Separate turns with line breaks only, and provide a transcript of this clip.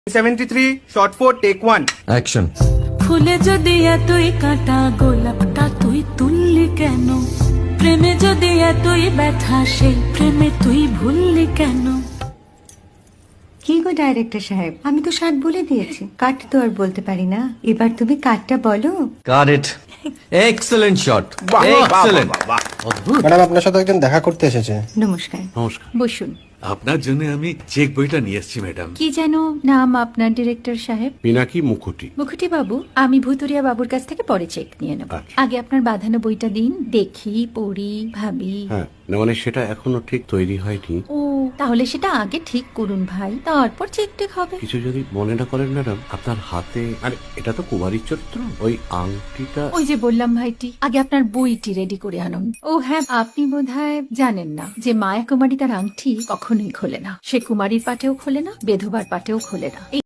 73 shot 4 take 1
action.
ফুলে যদি এতই কাঁটা গোলাপটা তুই তুললি কেন? প্রেমে যদি এতই ব্যথা সেই প্রেমে তুই ভুললি কেন?
কি গো ডাইরেক্টর সাহেব, আমি তো 60 বলে দিয়েছি, কাট তো আর বলতে পারি না। এবার তুমি কাটটা বলো।
Got it. এক্সেলেন্ট শট,
বাহ, বাহ,
এক্সেলেন্ট।
বাহ, বাহ,
ম্যাডাম আপনার সাথে একজন দেখা করতে এসেছে।
নমস্কার,
নমস্কার।
বসুন।
আপনার জন্য আমি চেক বইটা নিয়ে এসেছি ম্যাডাম।
কি যেন নাম আপনার ডিরেক্টর সাহেব?
পিনাকি মুখোটি।
মুখুটি বাবু, আমি ভুতুরিয়া বাবুর কাছ থেকে পরে চেক নিয়ে নেব।
আচ্ছা।
আগে আপনার বাঁধানো বইটা দিন, দেখি, পড়ি, ভাবি।
হ্যাঁ, না মানে সেটা এখনো ঠিক তৈরি হয়নি।
ও, তাহলে সেটা আগে ঠিক করুন ভাই, তারপর চেক টেক হবে।
কিছু যদি মনে না করেন ম্যাডাম, আপনার হাতে, আরে এটা তো কুমারীর চরিত্র, ওই আংটিটা।
ওই যে বললাম ভাইটি, আগে আপনার বইটি রেডি করে আনুন। ও হ্যাঁ, আপনি বোধহয় জানেন না যে মায়া কুমারী তার আংটি কখনোই খোলে না। সে কুমারীর পাটেও খোলে না, বেধবার পাটেও খোলে না।